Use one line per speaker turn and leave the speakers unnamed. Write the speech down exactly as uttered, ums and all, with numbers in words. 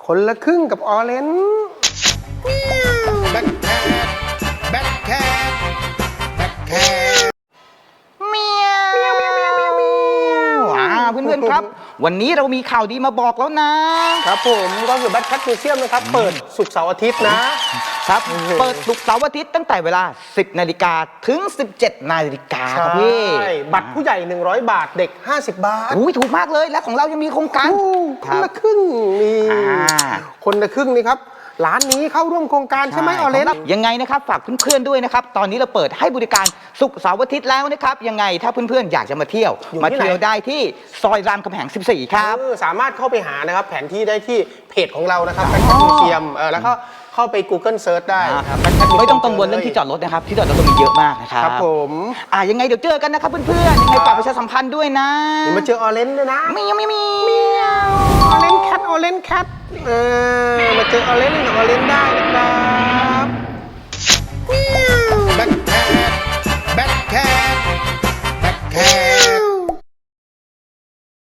คนละครึ่งกับออเรนจ์
แบ็คแคทแบ็คแคทแบ็คแคท
เมียวอ่าเพื่อนๆครับวันนี้เรามีข่าวดีมาบอกแล้วนะครับ
ผมก็คือแบ็คแคทมิวเซียมนะครับเปิดศุกร์เสาร์อาทิตย์นะครับ
เปิดศุกร์เสาร์อาทิตย์ตั้งแต่เวลา สิบนาฬิกาถึง สิบเจ็ดนาฬิกาครับพี่
ใช่บัตรผู้ใหญ่หนึ่งร้อยบาทเด็กห้าสิบบาท
อุ้ยถูกมากเลยและของเรายังมีโครงการ
คนละครึ่งนี่
อ่า
คนละครึ่งนี่ครับร้านนี้เข้าร่วมโครงการใช่ไหมออเรนจ์
ยังไงนะครับฝากเพื่อนๆด้วยนะครับตอนนี้เราเปิดให้บริการศุกร์เสาร์อาทิตย์แล้วนะครับยังไงถ้าเพื่อนๆอยากจะมาเที่ยวมาเที่ยวได้ที่ซอยรามคำแหงสิบสี่ครับ
เออสามารถเข้าไปหานะครับแผนที่ได้ที่เพจของเรานะครับแบ็คแคทมิวเซียมเออแล้วก็เข้าไป Google Search ได้ครับ Black Cat Museum
ไม่ต้องกังวลเรื่องที่จอดรถนะครับที่จอดรถก็มีเยอะมากนะครับ
ครับผม
อ่ายังไงเดี๋ยวเจอกันนะครับเพื่อนๆยังไงฝากประชาสัมพันธ์ด้วยนะ
นี่มาเจอออเรนจ์ด้วยนะ
มีมีมี
ออเรนจ์แคทออเรนจ์แคทเออมาเจอออเรนจ์กับออเรนจ์ได้นะครับ